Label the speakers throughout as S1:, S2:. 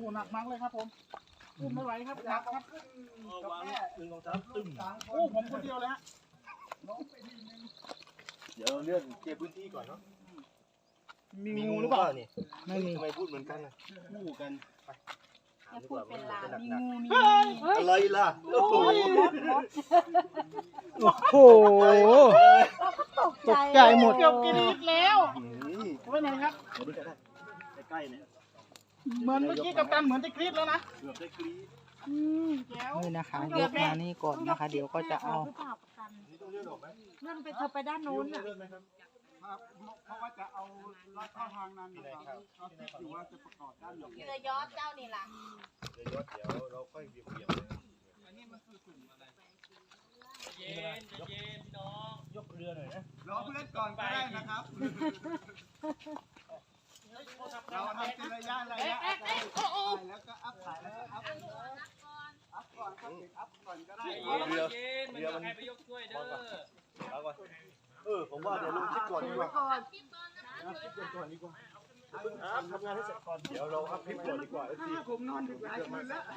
S1: หหนักมากเลยครับผมขึ้นไม่ไหวครับหนักครับวาง1 2 3ตึ้มโอ้ผมคนเดียวเลยฮะ
S2: เดี๋ยวเลื่อนเก็บพื้นที่ก่อนเนาะ
S1: มีงูหรือเปล่า
S2: นี่
S3: ไม่มี
S2: ทำไมพูดเหมือนกันนะงูกันไป
S4: อย่าพูดเป็นลางมีงูมี
S2: อะไรล่ะโอ้โห
S3: โอ้โหตกใจหมด
S1: เกือบกินอีกแล้วไว้ไหนครับ
S2: มาดูกันได้ใกล้ๆเนี่ย
S1: เหมือนเมื่อกี้กับตันเหมือนจะกรี๊ดแล้วนะ
S2: เกือบได้กรี๊ด
S1: แก้ว
S3: นี่นะคะยกมานี่ก่อนนะคะ เดี๋ยวก็จะเอา
S4: หรือเปล่ากัปตัน
S2: นี่ต้องเลื่อนออกไหม
S4: เลื่อนไปเธอไปด้านโน้นน่ะ
S2: เลื่อนไหมครับ
S1: เพราะว่าจะเอาลัดเข้าทางนั้นนะครับเอาที่อยู่ว่าจะประกอบด้านหลัง
S4: เรือยอชต์เจ้านี่ล่ะ
S2: เดี๋ยวเราค่อยเบี่ยงเลย
S1: อันนี้มันคือกลุ่มอะไร
S2: ยกเรือหน่อยนะ
S1: รอเพื่อนก่อนก็ได้นะครับเราทำเป็นระยะแล้วก็อัพถ่ายแล้วก็อัพก่อนครับอัพก่อนก็ได้
S2: เรือมันไปยกช่วยเด้อผมว่าเดี๋ยวลงคลิปก่อนดีกว่าคลิปก่อนดีกว่าทำงานให้เสร็จก่อนเดี๋ยวเราอัพคลิปก่อนดีกว่าสิ
S1: ผมนอนดึกหลายคืนแล้ว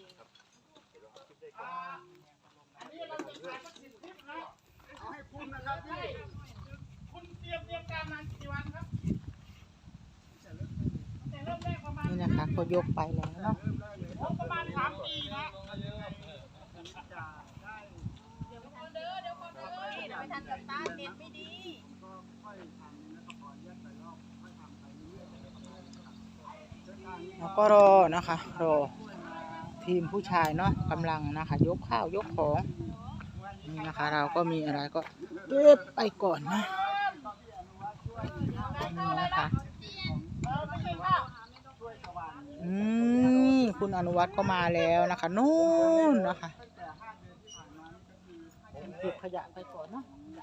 S1: อันนี้เราจะถ่ายสัก10 คลิปนะเอาให้คุณนะครับพี่คุณเตรียมการนานกี่วันครับแต่เริ่มแรกประมาณ
S3: นี่นะคะก็ยกไปแล้วเนาะ
S1: ประมาณ3 ปีนะ
S4: เดี๋ยวไม่ทันเดี๋ยวไม่ทันกับตาเน็ตไม่ดี
S3: แล้วก็รอนะคะรอทีมผู้ชายเนาะกำลังนะคะ ยกข้าวยกของนี่นะคะ เราก็มีอะไรก็เก็บไปก่อนนะนี่นะคะคุณอนุวัฒน์ก็มาแล้วนะคะนู่นนะคะเก็บขยะไปก่อนเนาะ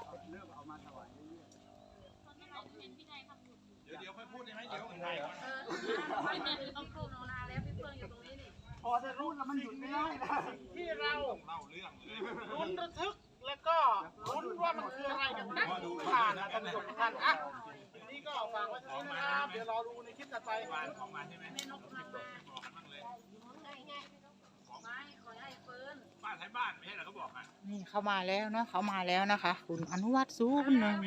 S1: เดี๋ยวค่อยพูดได้ไหมเดี๋ยวถ่ายก่อน
S4: ต้องพูดนานแล้วพี่เฟื่องอยู่ตรงนี้นี่
S1: พอจะรู้แล้วมันหยุดไม่ได้นะที่เราเล่าเรื่องลุ้นระทึกแล้วก็ลุ้นว่ามันคืออะไรกันนะผ่านนะท่านผู้ชมทุกท่านอ่ะนี่ก็ฝากไว้ที่นี่นะครับเดี๋ยวรอดูในคลิปต่อไปของมาใช่ไหม
S4: แม่นกกำลังมาง่ายๆไม่ขอให้เฟิร์น
S1: บ้านใช้บ้านไม่ใช่เหรอเขาบอกอ่ะ
S3: นี่เขามาแล้วเนาะเขามาแล้วนะคะ คุณอนุวัฒน์สู้หนึ่ง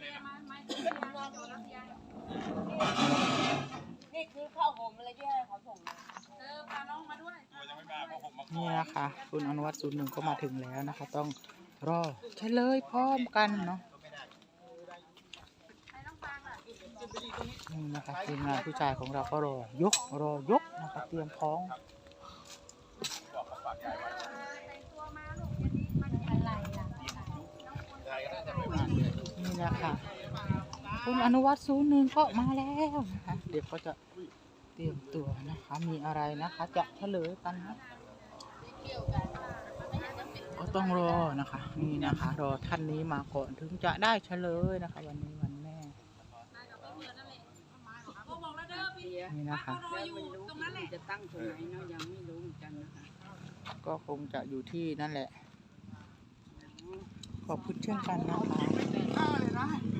S4: นี่คือข้าวหอมอะไรที่ให้เขาส่งพาน้องมาด้วย
S3: นี่นะคะคุณอนุวัฒน์ศูนย์หนึ่งก็มาถึงแล้วนะคะ ต้องรอเฉลยพร้อมกันเนาะ
S4: ให้น้องฟางล่ะ
S3: นี่นะคะทีมงานผู้ชายของเราก็รอยกนะคะเตรียมพร้อม
S4: แต่งตัวมาลูกอย่างนี้มันอะไรล่ะ
S3: นี่นะคะคุณอนุวัฒน์ศูนย์หนึ่งก็มาแล้วนะคะเดี๋ยวก็จะเตรียมตัวนะคะ มีอะไรนะคะ จะเฉลยกันนะก็ต้องรอนะคะนี่นะคะรอท่านนี้มาก่อนถึงจะได้เฉลยนะคะวันนี้วันแม่นี่นะคะ
S5: จะตั้งตรงไหนเนาะยังไม่รู้เหมือนกันนะคะ
S3: ก็คงจะอยู่ที่นั่นแหละขอบคุณเช่นกันนะคะ
S1: ข้าวเลยนะ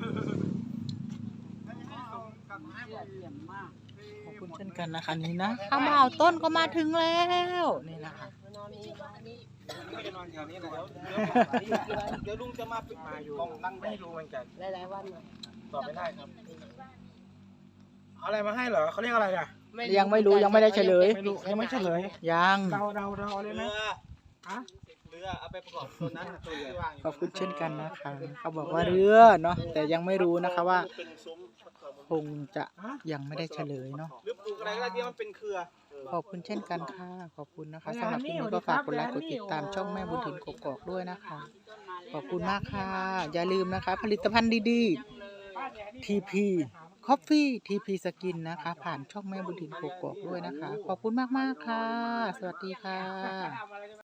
S5: เยี่ยมมาก
S3: ขอบคุณเช่นกันนะคะนี่นะข้าวเมาต้นก็มาถึงแล้วนี่นะคะ
S2: ไม่ได้นอนแถวนี้นะเดี๋ยวลุงจะมาอยู่นั่งไม่รู้เหมือนกัน
S5: หลายๆวันเลย
S2: ตอบไม่ได้ครับเอาอะไรมาให้เหรอเขาเรียกอะไรอ่ะ
S3: ยังไม่รู้ยังไม่ได้เฉลย
S2: ไม่รู้ยังไม่เฉลย
S3: ยัง
S2: เราเลยไหมเรือเอาไปประกอบตัวนั้นตัวเรือ
S3: ขอบคุณเช่นกันนะคะเขาบอกว่าเรือเนาะแต่ยังไม่รู้นะคะว่า
S2: เป็นซุ้ม
S3: คงจะยังไม่ได้เฉลยเนาะ
S2: หรือปลูกอะไรก็ได้ที่มันเป็นเครือ
S3: ขอบคุณเช่นกันค่ะขอบคุณนะคะสำหรับคลิปนี้ก็ฝากกดไลค์กดติดตามช่องแม่บุญถิ่นกกอกด้วยนะคะ ขอบคุณมากค่ะ อย่าลืมนะคะ ผลิตภัณฑ์ดีๆ TP Coffee TP Skin นะคะ ผ่านช่องแม่บุญถิ่นกกอกด้วยนะคะ ขอบคุณมากๆค่ะ สวัสดีค่ะ